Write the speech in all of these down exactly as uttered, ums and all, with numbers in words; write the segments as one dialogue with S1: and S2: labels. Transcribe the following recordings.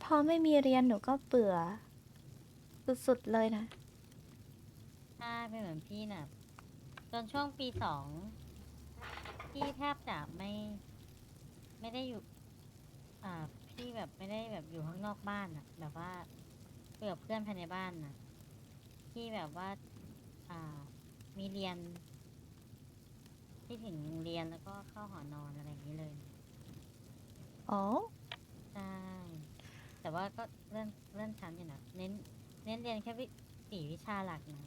S1: พอไม่มีเรียนหนูก็เบื่อสุดๆเลยนะ
S2: ใช่เป็นเหมือนพี่น่ะจนช่วงปีสองพี่แทบจะไม่ไม่ได้อยู่อ่าพี่แบบไม่ได้แบบอยู่ข้างนอกบ้านน่ะแบบว่าคุยกับเพื่อนภายในบ้านน่ะพี่แบบว่าอ่ามีเรียนที่ถึงเรียนแล้วก็เข้าหอนอนอะไรอย่างนี้เลย
S1: อ๋อ
S2: ใช่แต่ว่าก็เลื่อนเลื่อนชั้นอยู่นะเน้นเน้นเรียนแค่วิสี่วิชาหลักนะ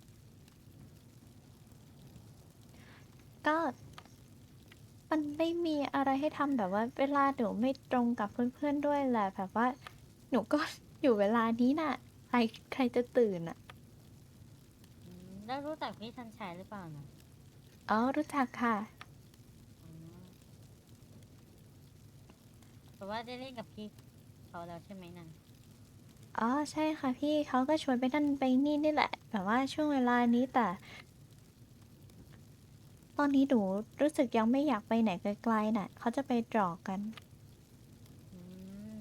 S1: ก็มันไม่มีอะไรให้ทำแบบว่าเวลาหนูไม่ตรงกับเพื่อนๆด้วยแหละแบบว่าหนูก็อยู่เวลานี้น่ะใครใครจะตื่นอ่ะ
S2: อืมแล้วรู้จักพี่ชันชัยหรือเปล่านะ
S1: อ๋อรู้จักค่ะ
S2: อ๋อแต่ว่าได้เล่นกับพี่เขาแล้วใช่ไหมนะ
S1: อ๋อใช่ค่ะพี่เขาก็ชวนไปนั่นไปนี่นี่แหละแบบว่าช่วงเวลานี้แต่ตอนนี้หนูรู้สึกยังไม่อยากไปไหนไกลๆน่ะเขาจะไปตรอกกัน
S2: อืม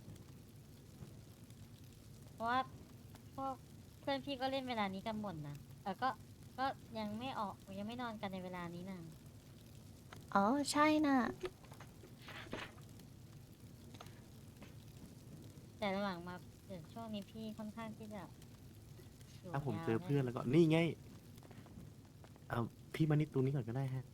S2: เพราะว่าพวกเพื่อนพี่ก็เล่นเวลานี้กันหมดนะเออก็ก็ยังไม่ออกยังไม่นอนกันในเวลานี้นะ
S1: อ๋อใช่น่ะ
S2: แต่หลังๆมาเดี๋ยวช่วงนี้พี่ค่อนข้างที่จะอยู่
S3: ถ้าผม
S2: ยา
S3: เจอเพื่อน
S2: วเนี่ยนะ
S3: แล้วก็นี่ไงเอาพี่มานิดตรงนี้ก่อนก็ได้ฮะ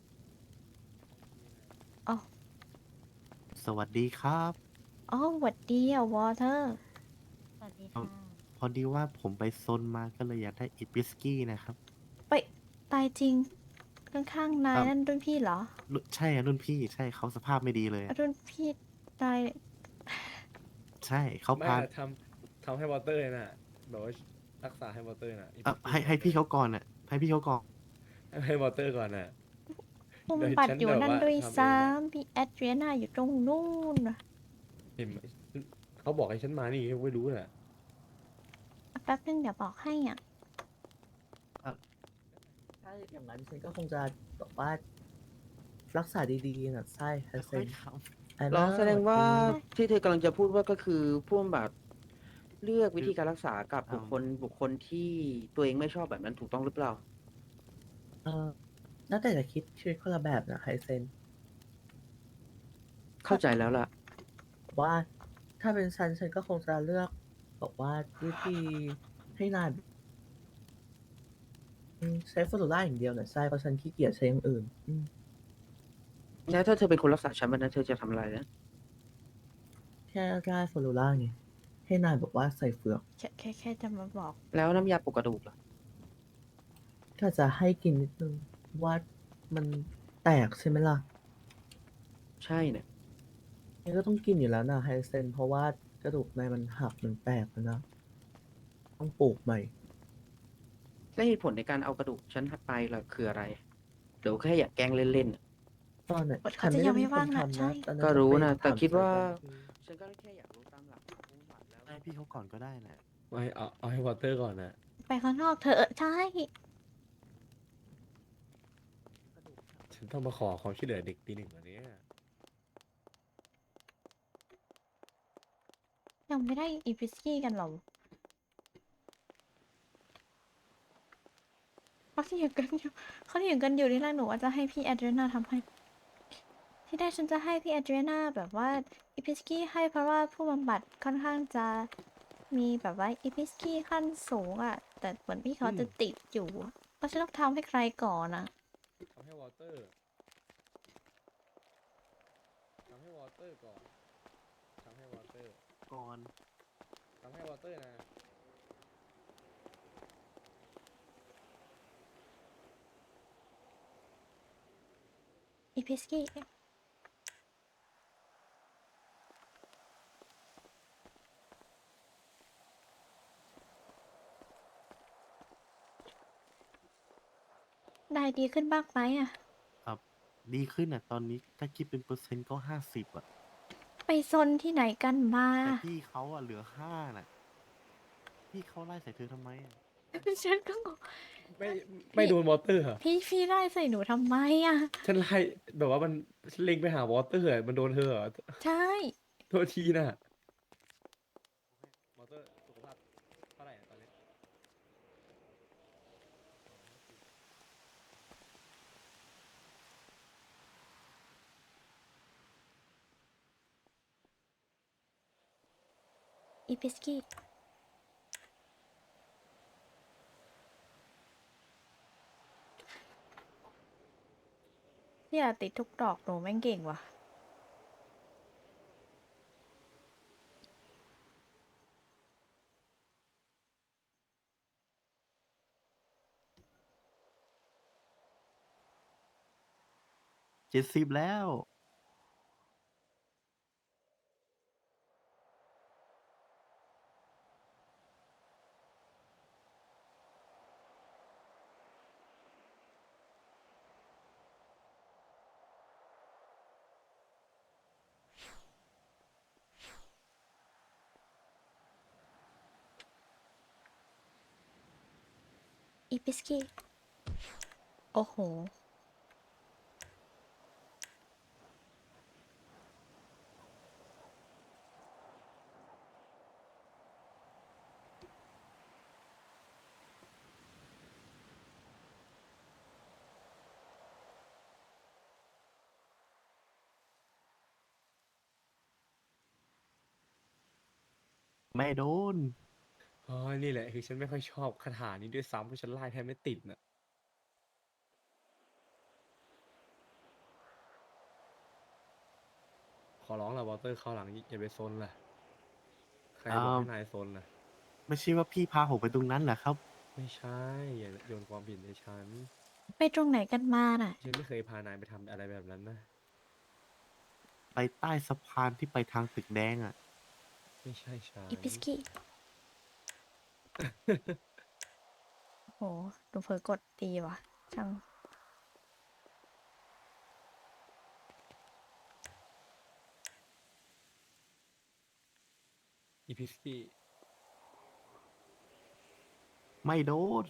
S1: อ๋อ
S3: สวัสดีครับ
S1: อ๋อหวัดดีอ่ะวอเตอร์
S2: สวัสดี
S3: เอา
S2: ค่ะ
S3: พอดีว่าผมไปซนมาก็เลยอยากได้อิปิสกี้นะครับ
S1: ไปตายจริงข้างๆนาย
S3: อ่า
S1: นั่นรุ่นพี่เหรอ
S3: รุ่นใช่อะรุ่นพี่ใช่เขาสภาพไม่ดีเลยอะ
S1: รุ่นพี่ตาย
S3: ใช่เขาพา
S4: ไม่อะทำทำให้วอเตอร์น่ะแบบว่ารักษาให้วอเตอร์น่ะอี
S3: เอ่อ
S4: พิสกี้
S3: ให้ให้พี่
S4: ให้วอเตอร์
S3: เขาก่อนอ่ะให้พี่เขาก่อน
S4: ให้ให้วอเตอร์ก่อนน่ะ
S1: ผู้
S4: โดย
S1: บำบัดอยู่
S4: ฉันแบบว่า
S1: นั่นด้วยซ้
S4: ทำเองน่ะ
S1: ำพี่แอดเรียนาอยู่ตรงนู้นน่ะ
S4: เห็นไหมเขาบอกให้ฉันมานี่ไม่รู้น่ะ
S1: แป๊บนึงเดี๋ยวบอกให้อ่ะ
S3: เอ่อ
S5: ถ้าอย่างนั้นฉันก็คงจะแบบว่ารักษาดีๆนะใช่ฮัสเซน
S3: ค่อยๆท
S5: อัน
S6: เรา
S5: น่า
S6: แสดงว่า
S5: ดี
S6: ที่เธอกำลังจะพูดว่าก็คือผู้บำบัดเลือก
S3: ำคือ
S6: วิธีการรักษากับ
S3: อืม
S6: บุคคลบุคคลที่ตัวเองไม่ชอบแบบนั้นถูกต้องหรือเปล่า
S5: เออน่าแต่จะคิดชีวิตคนละแบบนะไฮเซนถ้า
S6: เข้าใจแล้วล่ะ
S5: ว่าถ้าเป็นฉันฉันก็คงจะเลือกบอกว่าวิธีให้นายอืมใช้ฟลูออไรด์อย่างเดียวนะใช่เพราะฉันขี้เกียจใช้อย่างอื่นอืม
S6: แล้วถ้าเธอเป็นคนรักษาฉันวันนั้นเธอจะทำอะไรนะ
S5: แค่ได้ฟลูออไรด์ไงให้นายบอกว่าใส่เฟือก
S1: แค่แค่แค่จะมาบอก
S6: แล้วน้ำยาปลุกกระดูกล่ะ
S5: ก็จะให้กินนิดนึงว่ามันแตกใช่ไหมล่ะ
S6: ใช่เนี่ย
S5: นี่ก็ต้องกินอยู่แล้วนะไฮเซนเพราะว่ากระดูกในมันหักมันแตกแล้วนะต้องปลูกใหม่
S6: และเหตุผลในการเอากระดูกฉันไปล่ะคืออะไรเดี๋ยวแค่อยากแกล้งเล่นๆน่ะ
S5: ตอนไหนฉั
S1: เขาจะยัง
S5: นไม่ได้เป็นคน
S1: ไม่ว่างนะ
S5: ทำ
S1: ใช่
S5: นะตอนนั้
S6: ก็
S5: นจะไป
S6: รู้นะแต่
S5: ถาม
S6: คิดว่า
S5: เจอกันคือ
S6: ฉันก็แค่อยากรู้ตามหลักของผู้บำบัดแล้ว
S3: ให้พี่เขาก่อนก็ได้นะ
S4: ไม่เอาเอาให้วอเตอร์ก่อนน่ะ
S1: ไปข้างนอกเถอะใช่
S4: ฉันต้องมาขอความช่วยเหลือเด็กปีหนึ่งวันนี้
S1: ยังไม่ได้อีพิสกี้กันหรอเขาเถียงกันอยู่เขาเถียงกันอยู่ที่แรกหนูว่าจะให้พี่แอดเรียนาทำให้ที่แรกฉันจะให้พี่แอดเรียนาแบบว่าอีพิสกี้ให้เพราะว่าผู้บำบัดค่อนข้างจะมีแบบว่าอีพิสกี้ขั้นสูงอ่ะแต่เหมือนพี่เขา
S4: อืม
S1: จะติดอยู่อะเพราะฉันต้องทำให้ใครก่อนอ่ะ
S4: ทำให้วอเตอร์ทำให้วอเตอร์ก่อนทำให้วอเตอร์
S3: ก่อน
S4: ทำให้วอเตอร์นะ
S1: อีพิสกี้ได้ดีขึ้นบ้างไหมอ่ะ
S3: ครับดีขึ้นอ่ะตอนนี้ถ้าคิดเป็นเปอร์เซ็นต์ก็ห้าสิบอ่ะ
S1: ไปซนที่ไหนกันมา
S3: แต่พี่เขาอ่ะเหลือห้าน่ะพี่เขาไล่ใส่เธอทำไมอะ
S1: ฉันก็งง
S4: ไม่ไม่
S1: พี่
S4: โดนวอเตอร์เหรอ
S1: พี่พี่ไล่ใส่หนูทำไมอ่ะ
S4: ฉันไล่แบบว่ามันฉันเล็งไปหาวอเตอร์อะมันโดนเธอเหรอ
S1: ใช่
S4: โทษทีนะเตอร์สุขภาพเท่าไหร่อะตอนนี้
S1: อีพิสกี้เนี่ยติดทุกดอกหนูแม่งเก่งว่ะ
S3: เจ็ดสิบแล้ว
S1: อีพิสกี้โอ้โห
S3: ไม่โดน
S4: อ๋อ นี่แหละคือฉันไม่ค่อยชอบคาถานี้ด้วยซ้ำเพราะฉันไล่แทบไม่ติดน่ะ ขอร้องละวอเตอร์เข้าวหลังอย่าไปซนล่ะ ใครบอก
S3: อ้าว
S4: ให้นายซนน่ะ
S3: ไม่ใช่ว่าพี่พาผมไปตรงนั้นเหรอครับ
S4: ไม่ใช่ อย่าโยนความผิดให้ฉัน
S1: ไปตรงไหนกันมาน่ะ
S4: ฉันไม่เคยพานายไปทำอะไรแบบนั้นนะ
S3: ไปใต้สะพานที่ไปทางตึกแดงอ่ะ
S4: ไม่ใช่ฉัน
S1: อีพิสกี้ โหหนูเผลอกดตีว่ะ ช่าง
S4: อีพิสกี้
S3: ไม่โดน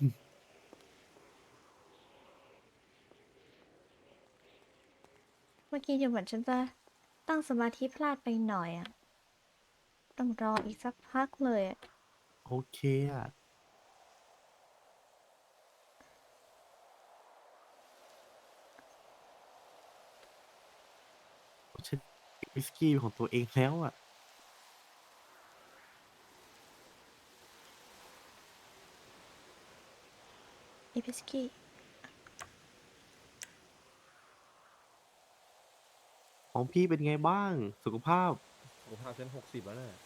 S1: เมื่อกี้ดูเหมือนฉันจะตั้งสมาธิพลาดไปหน่อยอะต้องรออีกสักพักเลยอะ
S3: โอเคอ่ะฉันวิสกี้ของตัวเองแล้วอ่ะ
S1: อีพิสกี้
S3: ของพี่เป็นไงบ้าง สุขภาพ
S4: สุขภาพฉันหกสิบแล้วน่ะ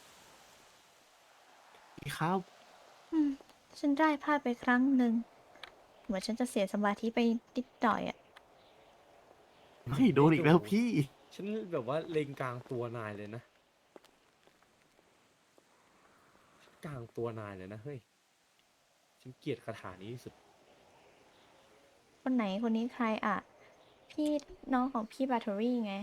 S3: พี่ครับ
S1: อืม ฉันได้พลาดไปครั้งหนึ่ง เหมือนฉันจะเสียสมาธิไปนิดหน่อยอะ
S3: ไม่โดนอีกแล้วพี่
S4: ฉันแบบว่าเล็งกลางตัวนายเลยนะ กลางตัวนายเลยนะเฮ้ย ฉันเกลียดคาถานี้ที่สุด
S1: คนไหนคนนี้ใครอะพี่น้องของพี่บาทอรี่ไง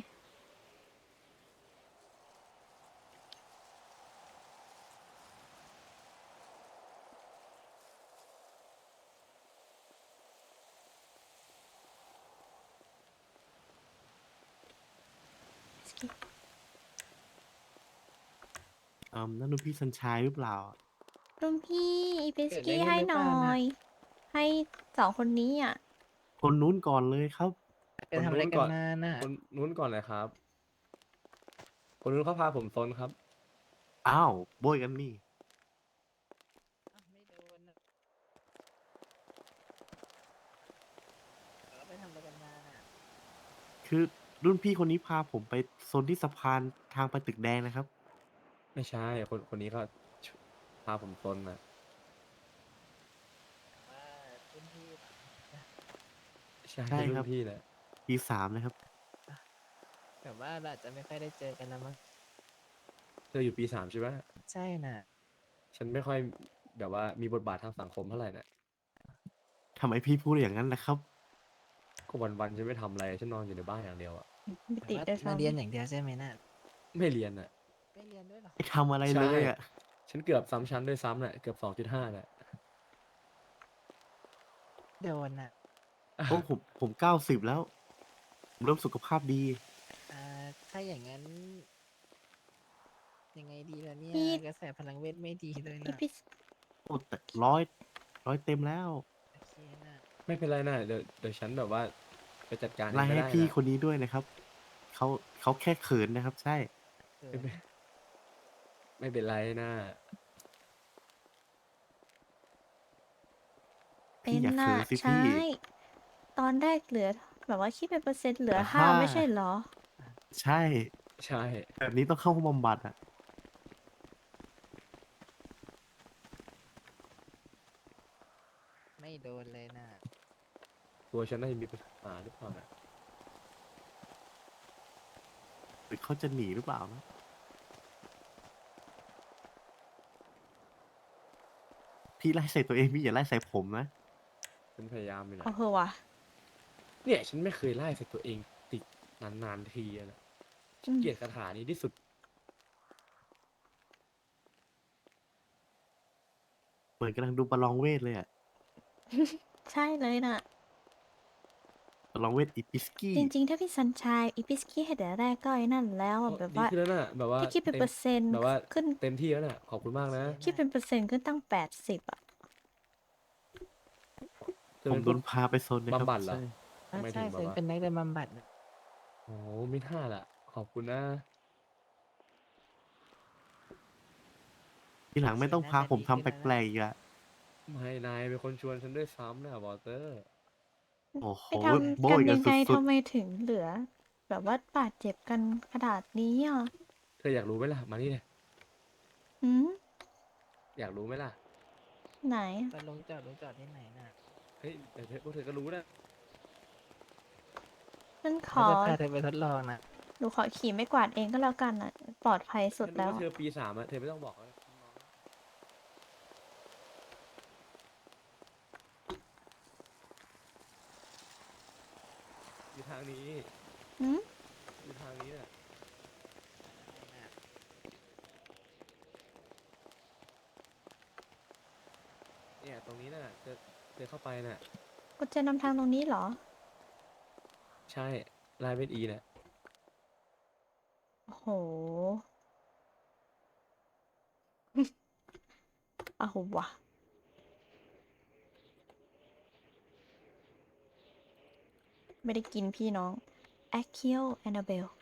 S3: เอ่มนั่นดูพี่สัญชัยหรือเปล่า
S1: รุ่นพี่อีพิส
S6: เกิดอะไร
S1: กี้
S6: ขึ้น
S1: ให้
S6: หรือ
S1: ห
S6: เป
S1: น่
S6: ล่า
S1: อ
S6: นะ
S1: ย ให้สองคนนี้อ่ะ
S3: คนนู้นก่อนเลยครับ
S6: ไปทำอะไร
S4: คนนู้น
S6: กั
S4: ก่
S6: น
S4: อน
S6: มาน่ะ
S4: คนนู้นก่อนเลยครับ คนนู้นเขาพาผมซนครับ
S3: อ้าวโบยกันนี่
S6: อ้าวไม่โดนน่ะแล้วไปทำอะไรกันมาน่ะ
S3: คือรุ่นพี่คนนี้พาผมไปโซนที่สะพานทางไปตึกแดงนะครับ
S4: ไม่ใช่ คนคนนี้เขาชุพาผมซนน่ะ
S6: ว่ารุ่นพี่เหรอ
S4: ใช่
S3: ใช่
S4: รุ่
S3: คน รับ
S4: พี่แหละ
S3: ปีสามนะครับ
S6: แบบว่าเราอาจจะไม่ค่อยได้เจอกันแล้วมั้ง
S4: เธออยู่ปีสามใช่ไหม
S6: ใช่น่ะ
S4: ฉันไม่ค่อยแบบว่ามีบทบาททางสังคมเท่าไหร่น่ะ
S3: ทำไมพี่พูดอย่างนั้นล่ะครับ
S4: ก็วันๆฉันไม่ทำอะไร ฉันนอนอยู่ในบ้านอย่างเดียวอะ
S1: ไม่
S6: แต่
S1: ติด
S6: ว่า
S1: ด้วย
S6: มา
S1: ซ้ำ
S6: เรียนอย่างเดียวใช่ไหมน่ะ
S4: ไม่เรียนน่ะ
S6: ไม่เรียนด้วยเหรอ
S3: ไม่ทำอะไร
S4: ใช่
S3: เลยอ่ะ
S4: ฉันเกือบซ้ำชั้นด้วยซ้ำน่ะ เกือบสองจุดห้าน่ะ
S6: โดนน่ะ
S3: โอ้ผมผมเก้าสิบแล้ว ผมเริ่มสุขภาพดี
S6: อ่าถ้าอย่างนั้น
S7: ยังไงดีล่ะเนี่ย
S1: พี่
S7: กระแสพลังเวทไม่ดีเลย
S1: อี
S7: นะ
S1: พิส
S3: โอ้แต่ร้อยร้อยเต็มแล้ว
S7: โอเคนะ
S4: ไม่เป็นไรนะเดี๋ยวเดี๋ยวฉันแบบว่าไปจัดการเอ
S3: ไล่
S4: งก็
S3: ให้
S4: ได้
S3: พี่
S4: นะ
S3: คนนี้ด้วยนะครับ เขาเขาแค่เขินนะครับ ใช่
S7: เขิ
S4: ไม่
S7: น
S4: เป็น ไม่เป็นไรนะ
S1: เป็
S3: พี่
S1: น
S3: อย่า
S1: น่ะ
S3: เขินสิ
S1: ใช
S3: พี่
S1: ่ ตอนแรกเหลือ แบบว่าคิดเป็นเปอร์เซ็นต์เหลือ
S3: แต่
S1: ห้า
S3: ถ้า
S1: ไม่ใช่เหรอ?
S3: ใช่
S4: ใช่
S3: แบบนี้ต้องเข้าห้องบำบัดอะ
S7: ไม่โดนเลยนะ
S4: ตัวฉันน่าจะมีปัญหาหรือเปล่านะ
S3: หรือเขาจะหนีหรือเปล่านะ? พี่ไล่ใส่ตัวเอง พี่อย่าไล่ใส่ผมนะ
S4: ฉันพยายามอยู่
S1: เออ
S4: นะ
S1: เหอะว่ะ
S4: เนี่ยฉันไม่เคยไล่ใส่ตัวเองติดนาน ๆ ทีอะนะ ฉ
S1: อัืม
S4: นเกลียดคาถานี้ที่สุด
S3: เหมือนกำลังดูประลองเวทเลยอะ
S1: ใช่เลยน่ะ
S3: ประลองเวทอิปิสกี้
S1: จริง ๆ ถ้าพี่ซันชัย อีพิสกี้ให้แต่แรกก็ไอ้นั่นแล้ว
S4: โอ
S1: อะ แบบ
S4: ดี
S1: ว่า
S4: ขึ้นแล้วน่ะ แบบว่า
S1: ถ้าคิดเป็น
S4: เต็
S1: เป
S4: ม
S1: อร์เซ็นต์
S4: แบบว่า
S1: ขึ้น
S4: เต็มที่แล้วน่ะ ขอบคุณมากนะ
S1: คิดเป็นเปอร์เซ็นต์ขึ้นตั้ง แปดสิบ อะ
S4: เธอ
S3: ผ
S4: เป
S3: ม็
S4: น
S3: โด
S4: พวก
S3: นพาไปซนนะครั
S4: บำบัดเหร
S3: ใช่
S4: อ?
S7: อา
S4: ทำไม
S7: ใช
S4: ถึ
S7: ่
S4: งแบ
S7: ฉั
S4: บ
S7: น
S4: ว่า
S7: เป็นนักเดินบำบัดน่ะ
S4: อ๋อ มิน่าล่ะ ขอบคุณนะ
S3: ทีหลังไม่ต้อง
S7: น่า
S3: พา
S7: จะ
S3: ผม
S7: ดี
S3: ทำ
S7: ขึ้น
S3: แ
S7: แล้ว
S3: ปล
S7: นะ
S3: ก ๆ อีกอะ
S4: ไม่ นายเป็นคนชวนฉันด้วยซ้ำน่ะ Walter
S3: โอ้โฮ
S1: ไปทำ
S3: โบ้
S1: กันย
S3: กั
S1: ั
S3: น
S1: งไง
S3: สุ
S1: ท
S3: ด
S1: ำ
S3: ๆ
S1: ไมถึงเหลือ แบบว่าบาดเจ็บกันขนาดนี้อะ?
S4: เธออยากรู้ไหมล่ะ? มานี่สิ
S1: หือ?
S4: อยากรู้ไหมล่ะ?
S1: ไหน?
S7: ตอนลงจอด ลงจอดที่ไหนน่ะ?
S4: เฮ้ย เดี๋ยวเธอ พวกเธอก็รู้นะ
S1: ฉันขอ
S7: ว่าจะพาเธอไปทดลองน่ะ
S1: หนูขอขี่ไม้กวาดเองก็แล้วกันน่ะ ปลอดภัยสุ
S4: ฉ
S1: ดั
S4: น
S1: แ
S4: นึ
S1: ล
S4: ก้ว
S1: ว่
S4: าเธ
S1: อะ
S4: อปี สาม อะ เธอไม่ต้องบอกเขานะ น้อง อยู่ทางนี้
S1: หือ?
S4: อยู่ทางนี้น่ะ เนี่ยตรงนี้น่ะ เธอ เธอเข้าไปน่ะ
S1: กุญแจนำทางตรงนี้เหรอ?
S4: ใช่ ลายเป็น E น่ะ
S1: โอ้โฮ เอาว่ะ ไม่ได้กินพี่น้อง Accio Annabelle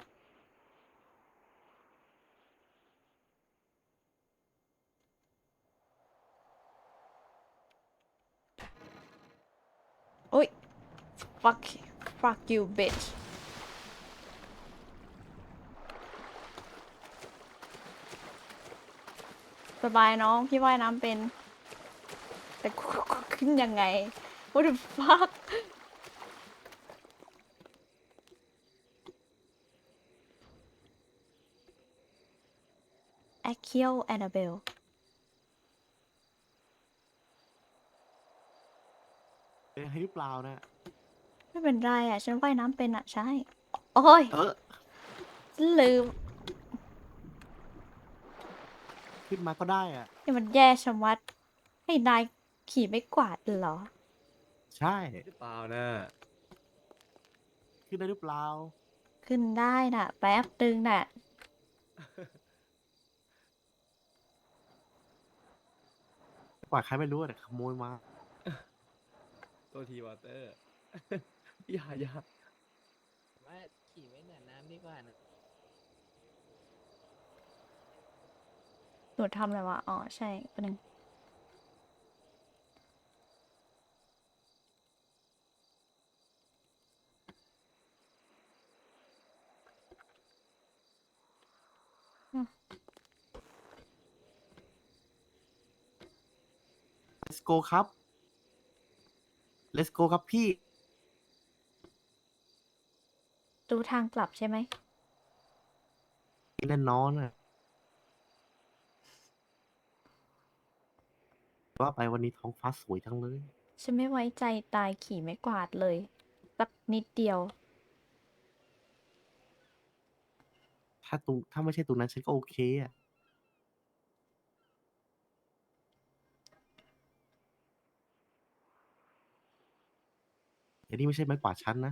S1: อุ๊ย Fuck fuck you bitch สบายน้อง พี่ว่ายน้ำเป็น แต่ ขึ้นยังไง What the fuck Accio Annabelle
S3: เป็นอะไรหรือเปล่าน่ะ?
S1: ไม่เป็นไรอะ ฉันว่ายน้ำเป็นน่ะ ใช่ โอ๊ย
S3: เออ
S1: ฉันลืม
S3: ขึ้นมาก็ได้อะ
S1: นี่มันแย่ชะมัด ให้นายขี่ไม้กวาดเหรอ?
S3: ใช่
S4: หรือเปล่าน่ะ
S3: ขึ้นได้หรือเปล่า?
S1: ขึ้นได้น่ะ แป๊บหนึ่งน่ะ
S3: กวาดใครไม่รู้อะ แต่ขโมยมา
S4: โทษที Walter อย่า อย่า
S7: ว่าขี่ไว้เหนือน้ำดีกว่าน่ะ
S1: หนูทำอะไรวะ? อ๋อ ใช่ แป๊บหนึ่ง อืม
S3: Let's go ครับ Let's go ครับพี่
S1: รู้ทางกลับใช่ไหม?
S3: แน่นอนอะ ว่าไปวันนี้ท้องฟ้าสวยจังเลย
S1: ฉันไม่ไว้ใจนายขี่ไม้กวาดเลย สักนิดเดียว
S3: ถ้าตรง ถ้าไม่ใช่ตรงนั้นฉันก็โอเคอะ แต่นี่ไม่ใช่ไม้กวาดฉันนะ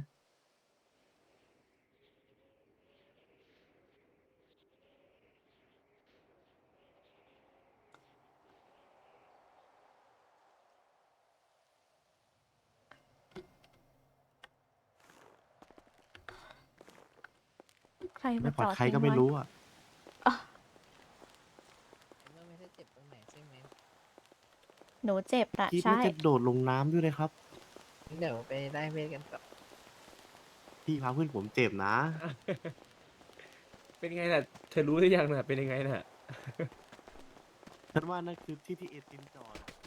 S1: ร
S3: ไม่
S1: มา
S3: ปล
S1: จ
S3: อด
S1: อด
S3: ใคร
S1: ทิ้ง
S3: ก็ไม่
S1: ไว้
S3: รู้อะ
S1: อ๋อ
S7: เมื่อไม่ได้เจ็บตรงไหนใช่ไหม
S1: หนูเจ็บน่ะ
S3: คิด
S1: ใช่
S3: ว่าจะโดดลงน้ำด้วยเลยครับ
S7: เดี๋ยวไปได้เวทกันต่อ
S3: พี่พาเพื่อนผมเจ็บนะ
S4: เป็นไงน่ะ เธอรู้หรือยังน่ะ เป็นยังไงน่ะ
S3: ฉันว่านั่นคือที่ที่เอตินจอดอะ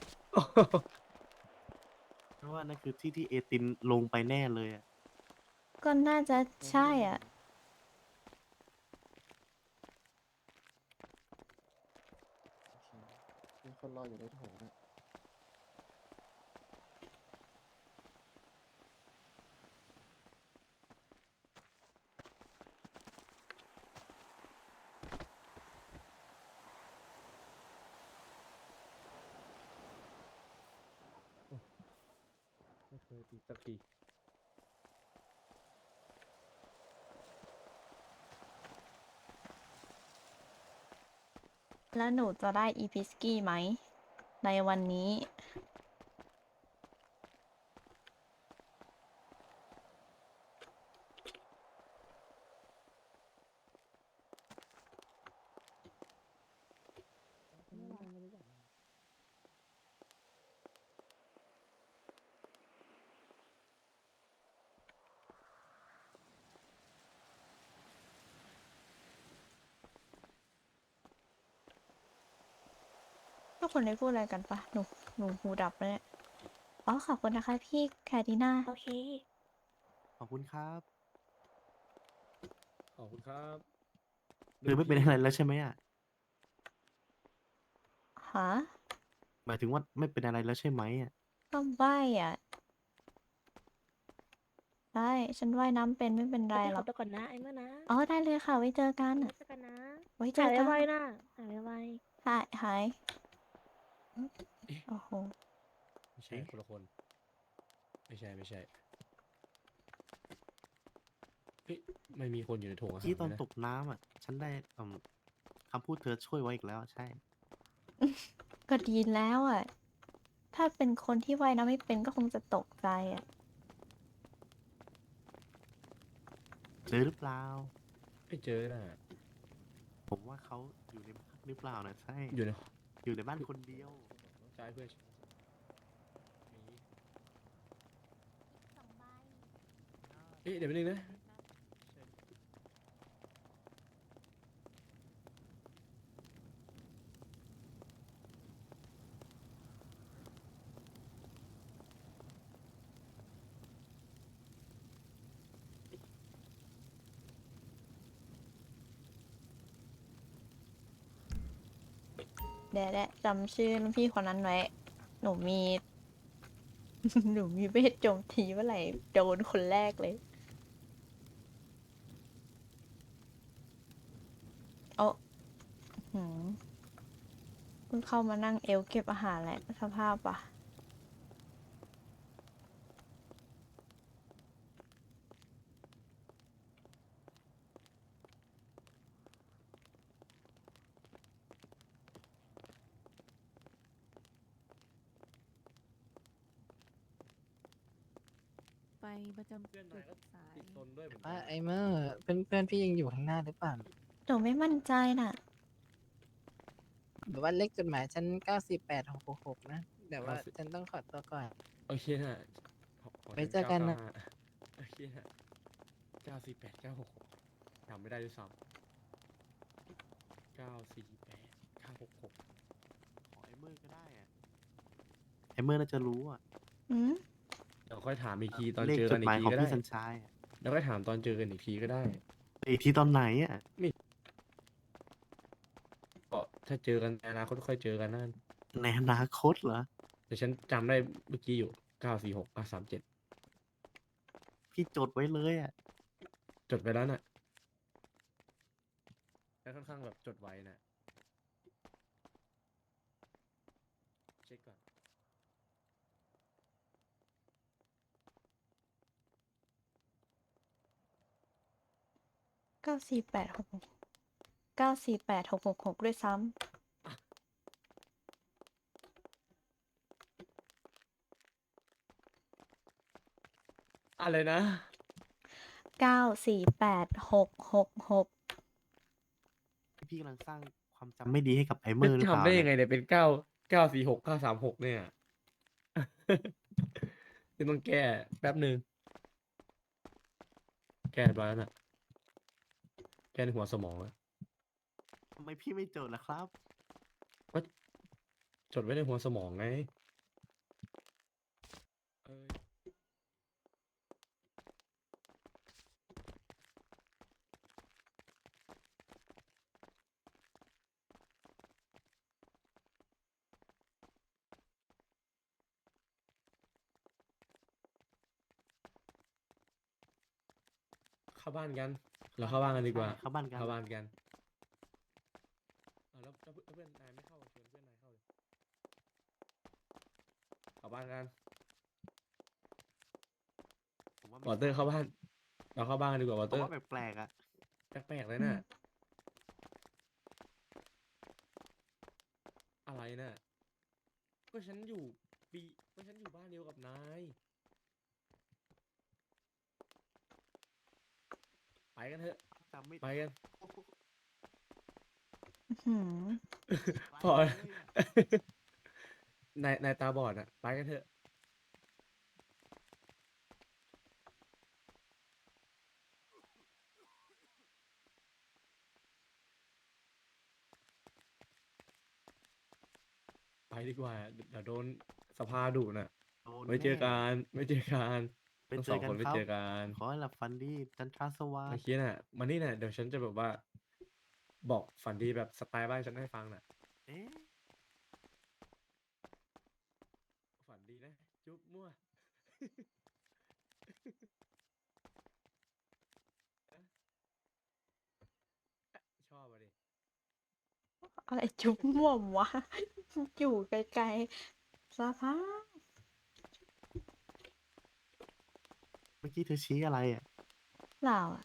S3: ฉันว่านั่นคือที่ที่เอตินลงไปแน่เลยอะ
S1: ก็น่าจะใช่อะ
S8: มีคนรออยู่ในโถงนะ
S4: ไม่เคยติดสักที
S1: แล้วหนูจะได้อีพิสกี้ไหม ในวันนี้ ทุกคนได้พูดอะไรกันปะหนู หนูหูดับเลยเนี่ยอ๋อ ขอบคุณนะคะพี่แคดีนา โอเค
S3: ขอบคุณครับ
S4: ขอบคุณครับ
S3: คือไม่เป็นอะไรแล้วใช่ไหมอะ
S1: ฮะ
S3: หมายถึงว่าไม่เป็นอะไรแล้วใช่ไหมอะ
S1: ก็ว่ายอ่ะ ได้ ฉันว่ายน้ำเป็นไม่เป็นไร
S9: ไป
S1: หร
S9: ข
S1: อ
S9: อก ตัวก่อนนะไอ้เมื่อนะ
S1: อ๋อ ได้เลยค่ะ ไว้เจอกัน
S9: ไว้เจอกันนะ
S1: ไว้เจ
S9: หา
S1: อย กัน
S9: ไวๆนะหายไว
S1: หาย หาย โอ้โห
S4: ไม่ใช่คนละคน ไม่ใช่ ไม่ใช่ เฮ้ย ไม่มีคนอยู่ในโถงอาหาร
S3: ที่ตอน
S4: เลยนะ
S3: ตกน้ำอะ ฉันได้เอ่อคำพูดเธอช่วยไว้อีกแล้ว ใช่
S1: ก็ดีแล้วอ่ะ ถ้าเป็นคนที่ว่ายน้ำไม่เป็นก็คงจะตกใจอ่ะ
S3: เจอหรือเปล่า
S4: ไม่เจอน่ะ
S3: ผมว่าเขาอยู่ในบ้านหรือเปล่านะใช่
S4: อยู่ใน
S3: อยู่ในบ้านคนเดียว
S4: ใช่เพื่อนมีเอ๊ะเดี๋ยวไปบนึงนะ
S1: เดี๋ยวแหละจำชื่อรุ่นพี่คนนั้นไว้ หนูมี หนูมีเวทโจมตีเมื่อไหร่โดนคนแรกเลย โอ้หืมเพิ่งเข้ามานั่งเอลเก็บอาหารแหละสภาพปะ
S9: ไปประจำ
S4: เพื่อน
S9: จุ
S4: นาย
S9: ด
S4: ก็
S9: สาย
S4: ติดซนด้วยเหมือนกั
S7: ว่าน ไอ้เมื่อเพื่อนเพื่อนพี่ยังอยู่ข้างหน้าหรือเปล่า
S1: หนูไม่มั่นใจน่ะ
S7: หรือว่าเลขจดหมายฉันเก้าสี่แปดหกหกหกนะ แต่ว่า
S4: เก้าสิบ
S7: ฉันต้องขอตัวก่อน
S4: โอเคน่ะขอขอ
S7: ไว้
S4: ฉั
S7: เจอกันนะ
S4: เาเาห้าโอเคน่ะเก้าสี่แปดเก้าหกหกจำไม่ได้ด้วยซ้ำเก้าสี่แปดเก้าหกหก
S3: ขอไอเมอร์ก็ได้อะไอเมอร์น่าจะรู้อะ
S1: อืม
S4: เดี๋ยวค่อยถามอีกทีตอน
S3: เลข
S4: เจอ
S3: จ
S4: กั
S3: ด
S4: น
S3: ห
S4: อี
S3: มาย
S4: กที
S3: ของ
S4: ก็ได้
S3: พี่สัญชัยอะ
S4: แล้วค่อยถามตอนเจอกันอีกทีก็ได้
S3: อีกทีตอนไหนอะ
S4: ก็ถ้าเจอกันในอนาคตค่อยเจอกันนั่น
S3: ในอนาคตเหรอ
S4: แต่ฉันจำได้เมื่อกี้อยู่เก้าสี่หกเก้าสามเจ็ด
S3: พี่จดไว้เลยอะ
S4: จดไปแล้วน่ะแล้วค่อนข้างแบบจดไว้น่ะเช็คก่อน
S1: เก้าสี่แปดหกหกเก้าสี่แปดหกหกหกด้วยซ้
S4: อะไรนะ
S1: ำเก้าสี่แปดหกหกหก
S3: พี่กำลังสร้างความจำไม่ดีให้กับไอเม
S4: จะ
S3: อร์หรือเปล่า
S4: จำได้ยั
S3: เนี่
S4: ง
S3: ย
S4: ไงเนี่ยเป็นเก้าเก้าสี่หกเก้าสามหกเนี่ย นี่ต้องแก้แป๊บหนึ่งแก้เรียบร้อยแล้วน่ะแก้ในหัวสมองแล้ว
S3: ทำไมพี่ไม่จดล่ะครับ
S4: ก็จดไว้ในหัวสมองไงเอ้ยเข้าบ้านกัน เราเข้าบ้านกันดีกว่า
S3: ใช่เข้าบ้านกัน
S4: เข้าบ้านกันเอาแล้วแล้วเพื่อนนายไม่เข้าชวนเพื่อนนายเข้าเลยเข้าบ้านกัน
S3: ผมว่า
S4: วอเตอร์เข้าบ้าน เราเข้าบ้านกันดีกว่าวอ
S3: ผ
S4: เต
S3: ม
S4: อร์
S3: ว่าแปลกๆอ่ะ
S4: แปลกๆเลยน่ะ อะไรน่ะ ก็ฉันอยู่ปีก็ฉันอยู่บ้านเดียวกับนาย ไปกันเถอะ
S3: จำไม่
S4: ไปกัน
S1: หืม
S4: พอ นายนายตาบอดอ่ะ ไปกันเถอะ ไปดีกว่า เดี๋ยวโดนสภาดุน่ะ
S3: โดน
S4: ไม่เจอ
S3: แน่
S4: กัน ไม่เจอกัน
S3: ไป
S4: ทั้ง
S3: เจ
S4: สอ
S3: อง กัน
S4: คนไม่
S3: ครับ
S4: เจอกัน
S3: ขอให้หลับฝันดีจันทราสวั
S4: เมื่
S3: ส
S4: อ
S3: ดิ์
S4: กี้น่ะมานี่น่ะ เดี๋ยวฉันจะแบบว่า บอกฝันดีแบบสไตล์บ้านฉันให้ฟังน่ะ
S3: เอ๊ะ
S4: ฝันดีนะ จุ๊บมั่ว ชอบอ่ะดิ
S1: อะไรจุ๊บม่วมวะ อยู่ไกลๆสภาพ
S3: เมื่อกี้เธอชี้อะไรอ่ะ
S1: เปล่าอะ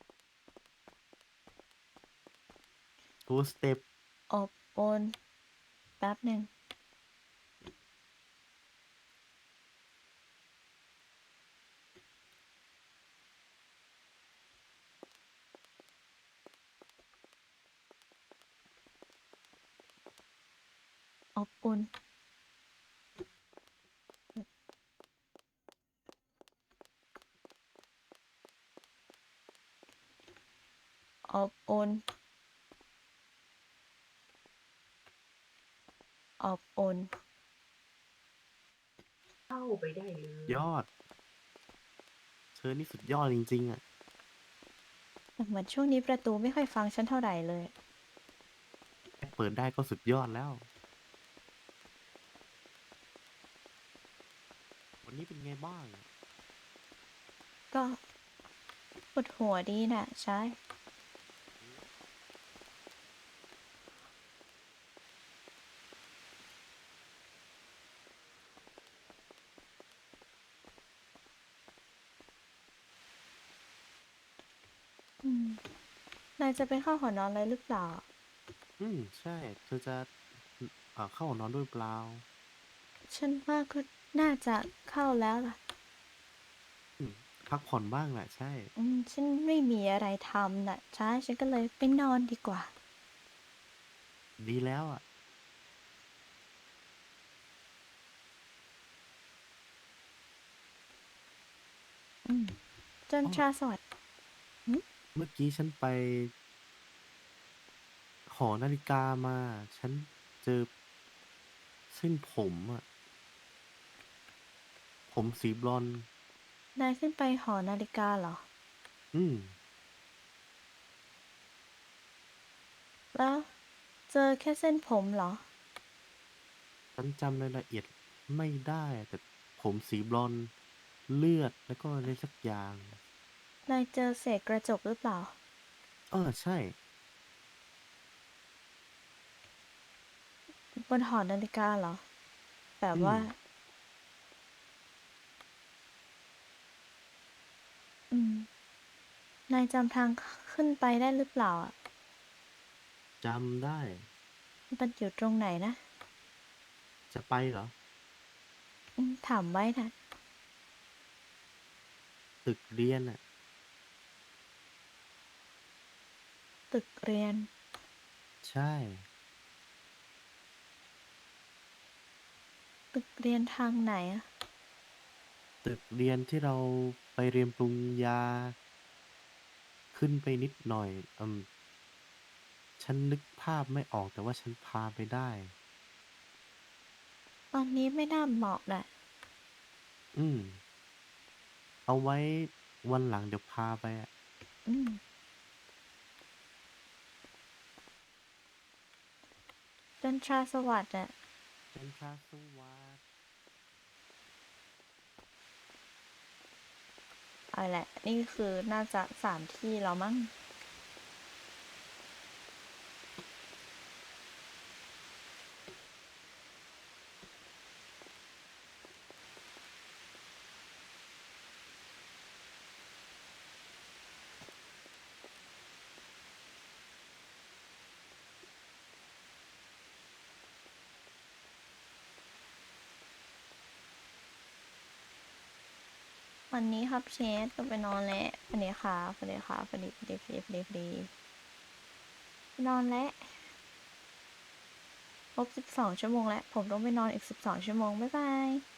S3: two step
S1: อบอุ่นแป๊บหนึ่งอบอุ่นอบอุ่นอบอุ่น
S3: ยอด เธอนี่สุดยอดจริงๆอ่ะ
S1: แต่เหมือนช่วงนี้ประตูไม่ค่อยฟังฉันเท่าไหร่เลย
S3: แค่เปิดได้ก็สุดยอดแล้ว วันนี้เป็นไงบ้าง
S1: ก็ปวดหัวดีน่ะ ใช่ อืม นายจะไปเข้าหอนอนเลยหรือเปล่า
S3: อืม ใช่ เธอจะเอ่อเข้านอนด้วยเปล่า
S1: ฉันว่าก็น่าจะเข้าแล้วล่ะ
S3: อืม พักผ่อนบ้างแหละใช่
S1: อืม ฉันไม่มีอะไรทำน่ะ ใช่ ฉันก็เลยไปนอนดีกว่า
S3: ดีแล้วอ่ะ
S1: อืมจน
S3: อ๋อ
S1: ชาสวัสดิ์
S3: เมื่อกี้ฉันไป หอนาฬิกามา ฉันเจอเส้นผมอ่ะ ผมสีบลอนด์
S1: นายขึ้นไปหอนาฬิกาเหรอ
S3: อืม
S1: แล้ว เจอแค่เส้นผมเหรอ
S3: ฉันจำรายละเอียดไม่ได้แต่ผมสีบลอนด์เลือดแล้วก็อะไรสักอย่าง
S1: นายเจอเศษกระจกหรือเปล่า
S3: เออ ใช่
S1: บนหอนาฬิกาเหรอ แบบ
S3: อืม
S1: ว่า อืม นายจำทางขึ้นไปได้หรือเปล่าอ่ะ
S3: จำได้
S1: มันอยู่ตรงไหนนะ
S3: จะไปเหรอ
S1: อืม ถามไว้นะ
S3: ตึกเรียนอ่ะ
S1: ตึกเรียน
S3: ใช่
S1: ตึกเรียนทางไหนอะ
S3: ตึกเรียนที่เราไปเรียนปรุงยา ขึ้นไปนิดหน่อย อืม ฉันนึกภาพไม่ออก แต่ว่าฉันพาไปได้
S1: ตอนนี้ไม่น่าเหมาะแหละ
S3: อืม เอาไว้วันหลังเดี๋ยวพาไปอะ
S1: อืม จันทราสวัสดิ์อะ
S3: จันทราสวัสดิ์
S1: เอาแหละ นี่คือน่าจะสามที่แล้วมั้ง วันนี้ครับเชฟก็ไปนอนแล้ววันนี้ค่ะวันนี้ค่ะวันนี้วันนี้วันนี้วันนี้วันนี้ไปนอนแล้วครบสิบสองชั่วโมงแล้ว ผมต้องไปนอนอีกสิบสองชั่วโมง บ๊ายบาย